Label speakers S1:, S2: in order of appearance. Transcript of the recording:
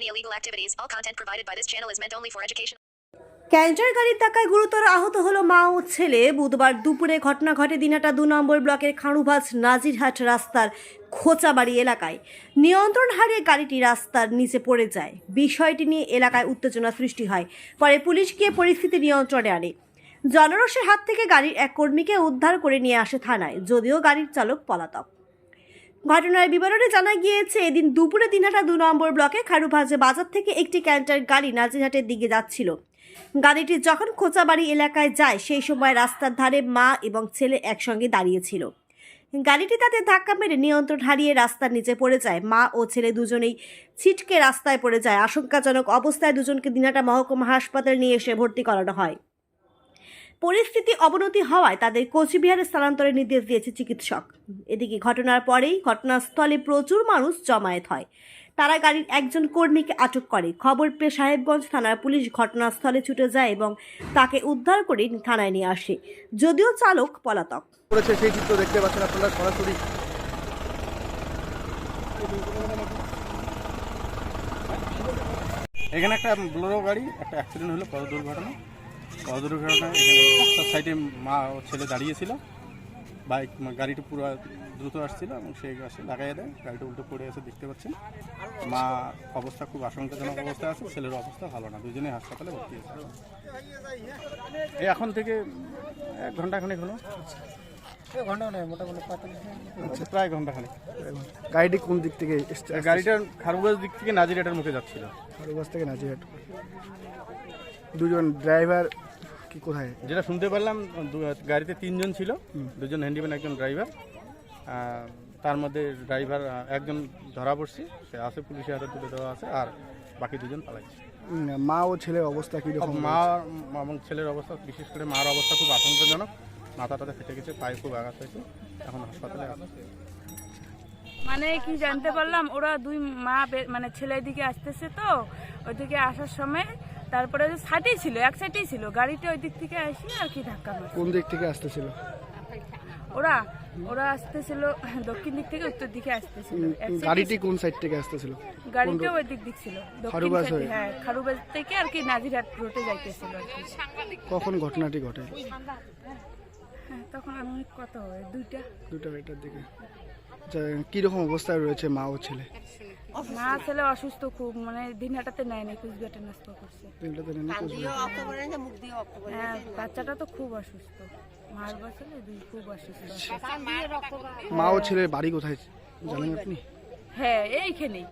S1: illegal activities. All content provided by this channel is meant only for education.
S2: Canter গাড়ির ধাক্কায় গুরুতর আহত হলো মা ও ছেলে। বুধবার দুপুরে ঘটনা ঘটে দিনহাটা 2 নম্বর ব্লকের খাঁড়ুবাজ নাজিরহাট রাস্তার খোঁচাবাড়ি এলাকায়। নিয়ন্ত্রণ হারিয়ে গাড়িটি রাস্তার নিচে পড়ে যায়। বিষয়টি নিয়ে এলাকায় উত্তেজনা সৃষ্টি হয়। পরে পুলিশ গিয়ে পরিস্থিতি নিয়ন্ত্রণে আনে। জনরোষের হাত থেকে গাড়ির এক কর্মীকে উদ্ধার করে নিয়ে আসে থানায়, যদিও গাড়ির চালক পলাতক। ঘটনার বিবরণে জানা গিয়েছে, এদিন দুপুরে দিনহাটা 2 নম্বর ব্লকে খাঁড়ুবাজ বাজার থেকে একটি ক্যান্টার গাড়ি নাজিরহাটের দিকে যাচ্ছিল। গাড়িটি যখন খোঁচাবাড়ি এলাকায় যায় সেই সময় রাস্তার ধারে মা এবং ছেলে একসঙ্গে দাঁড়িয়েছিল। গাড়িটি তাদের ধাক্কা মেরে নিয়ন্ত্রণ হারিয়ে রাস্তার নিচে পড়ে যায়। মা ও ছেলে দুজনেই ছিটকে রাস্তায় পড়ে যায়। আশঙ্কাজনক অবস্থায় দুজনকে দিনহাটা মহকুমা হাসপাতালে নিয়ে এসে ভর্তি করানো হয়। পরিস্থিতি অবনতি হওয়ায় তাদের কোচবিহারে স্থানান্তরের নির্দেশ দিয়েছে চিকিৎসক। এদিকে ঘটনার পরেই ঘটনাস্থলে প্রচুর মানুষ জমায়েত হয়। তারা গাড়ির একজন কর্মীকে আটক করে। খবর পেয়ে সাহেবগঞ্জ থানার পুলিশ ঘটনাস্থলে ছুটে যায় এবং তাকে উদ্ধার করে থানায় নিয়ে আসে, যদিও চালক পলাতক।
S3: সেই চিত্র দেখতে পাচ্ছেন আপনারা সরাসরি। এখানে একটা বোলেরো গাড়ি একটা অ্যাক্সিডেন্ট হলো, পথ দুর্ঘটনায় রাস্তার সাইডে মা ও ছেলে দাঁড়িয়েছিল। বাইক গাড়িটা পুরো দ্রুত আসছিল এবং সেই গাছে লাগাই দেয়, গাড়িটা উল্টো পড়ে আছে দেখতে পাচ্ছেন। মা অবস্থা খুব আশঙ্কাজনক অবস্থায় আছে, ছেলের অবস্থা ভালো না, দুজনেই হাসপাতালে ভর্তি আছে। এই এখন থেকে 1 ঘন্টাখানেক হলো। মোটামুটি প্রায় ঘন্টাখানেক।
S4: গাড়িটি কোন দিক থেকে এসছে?
S3: গাড়িটা খারুবাজ দিক থেকে নাজিরহাটের মুখে যাচ্ছিল।
S4: খারুবাজ থেকে নাজিরহাট। দুজন ড্রাইভার কি কোথায়?
S3: যেটা শুনতে পারলাম গাড়িতে 3 জন ছিল, 2 জন হ্যান্ডিম্যান, একজন ড্রাইভার। তার মধ্যে ড্রাইভার একজন ধরা পড়ছে, সে আছে পুলিশের হাতে তুলে দেওয়া আছে, আর বাকি 2 জন পালাইছে।
S4: মা ও ছেলের অবস্থা কীরকম?
S3: মা এবং ছেলের অবস্থা, বিশেষ করে মার অবস্থা খুব আশঙ্কাজনক। মাথাটাতে ফেটে গেছে, পায়ে খুব আঘাত হয়েছে, এখন হাসপাতালে আছে।
S5: মানে কি জানতে পারলাম, ওরা 2 মা মানে ছেলের দিকে আসতেছে, তো ওইদিকে আসার সময় তারপরে সাইডেই ছিল, এক সাইডেই ছিল গাড়িটা, ওই দিক থেকে আসি আর কি ধাক্কা মারছে।
S4: কোন দিক থেকে আসতেছিল
S5: ওরা আসতেছিল দক্ষিণ দিক থেকে উত্তর দিকে আসতেছিল।
S4: গাড়িটি কোন সাইড থেকে আসতেছিল?
S5: গাড়িটা ওই দিক ছিল দক্ষিণ সাইডে। হ্যাঁ, খারুবাজ থেকে আর কি নাজিরহাট রোডে যাইতেছিল আর কি।
S4: কখন ঘটনাটি ঘটে?
S5: হ্যাঁ, তখন আমি কত হবে
S4: 2টার দিকে। কিরকম অবস্থায় রয়েছে মা ও ছেলে?
S5: মা ছেলে অসুস্থ খুব, মানে দিনহাটাতে নেয়নি, কুচবিহারে নাস্তা করছে। হ্যাঁ, বাচ্চাটা তো খুব অসুস্থ, মার বাচ্চাটা খুব অসুস্থ।
S4: মা ও ছেলের বাড়ি কোথায় জানেন আপনি?
S5: হ্যাঁ, এইখানেই।